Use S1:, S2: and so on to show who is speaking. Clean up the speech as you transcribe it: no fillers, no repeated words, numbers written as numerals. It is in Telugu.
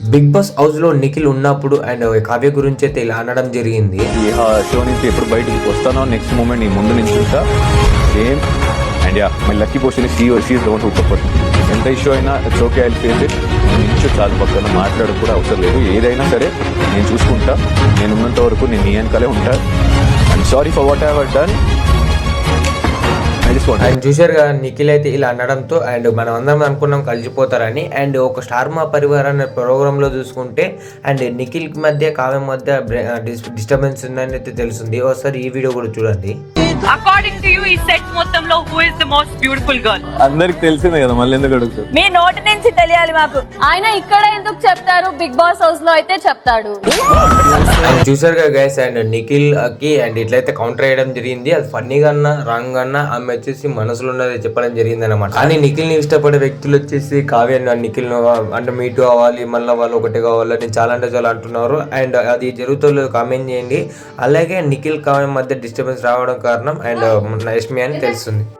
S1: బిగ్ బాస్ హౌస్ లో నిఖిల్ ఉన్నప్పుడు అండ్ కావ్య గురించి అయితే ఇలా అనడం జరిగింది.
S2: ఈ షో నుంచి ఎప్పుడు బయటకు వస్తానో నెక్స్ట్ మూమెంట్ నీ ముందు నుంచి చూస్తా same. And ya my lucky portion she is the one who support. ఎంత ఇష్యూ అయినా it's okay, I face it. నేను చాలా పక్కన మాట్లాడడం కూడా అవసరం లేదు. ఏదైనా సరే నేను చూసుకుంటా. నేను ఉన్నంత వరకు నేను నీ వెనకాలే ఉంటా. I'm sorry for what I have done.
S1: And చూశారు కదా నిఖిల్ అయితే ఇలా అనడంతో అండ్ మనం అందరం అనుకున్నాం కలిసిపోతారని. అండ్ ఒక స్టార్ మా పరివార్ అనే ప్రోగ్రామ్ లో చూసుకుంటే అండ్ నిఖిల్ మధ్య కావ్య మధ్య డిస్టర్బెన్స్ ఉందని అయితే తెలుస్తుంది. ఒకసారి ఈ వీడియో కూడా చూడండి.
S3: అకార్డింగ్ టు యు ఈ సెట్ మొత్తంలో who is the most beautiful girl?
S2: అందరికి తెలిసిందే కదా, మళ్ళీ ఎందుకు అడుగుతారు?
S3: మీ నోటి నుంచి తెలియాలి మాకు.
S4: ఆయన ఇక్కడ ఎందుకు చెప్తారు, బిగ్ బాస్ హౌస్ లో అయితే చెప్తాడు.
S1: చూసారు కదా గైస్, అండ్ నిఖిల్ కి అండ్ ఇట్లయితే కౌంటర్ వేయడం జరిగింది. అది ఫన్నీగా అన్నా రాంగ్ అన్నా ఆమె వచ్చేసి మనసులో ఉన్నది చెప్పడం జరిగింది అనమాట. కానీ నిఖిల్ ని ఇష్టపడే వ్యక్తులు వచ్చేసి కావ్య నిఖిల్ అంటే మీటు అవ్వాలి, మళ్ళీ వాళ్ళు ఒకటి కావాలని చాలా అంటే చాలా అంటున్నారు. అండ్ అది జరుగుతుందో కామెంట్ చేయండి. అలాగే నిఖిల్ కావ్య మధ్య డిస్టర్బెన్స్ రావడం కారణం అండ్ యష్మి అని తెలుస్తుంది.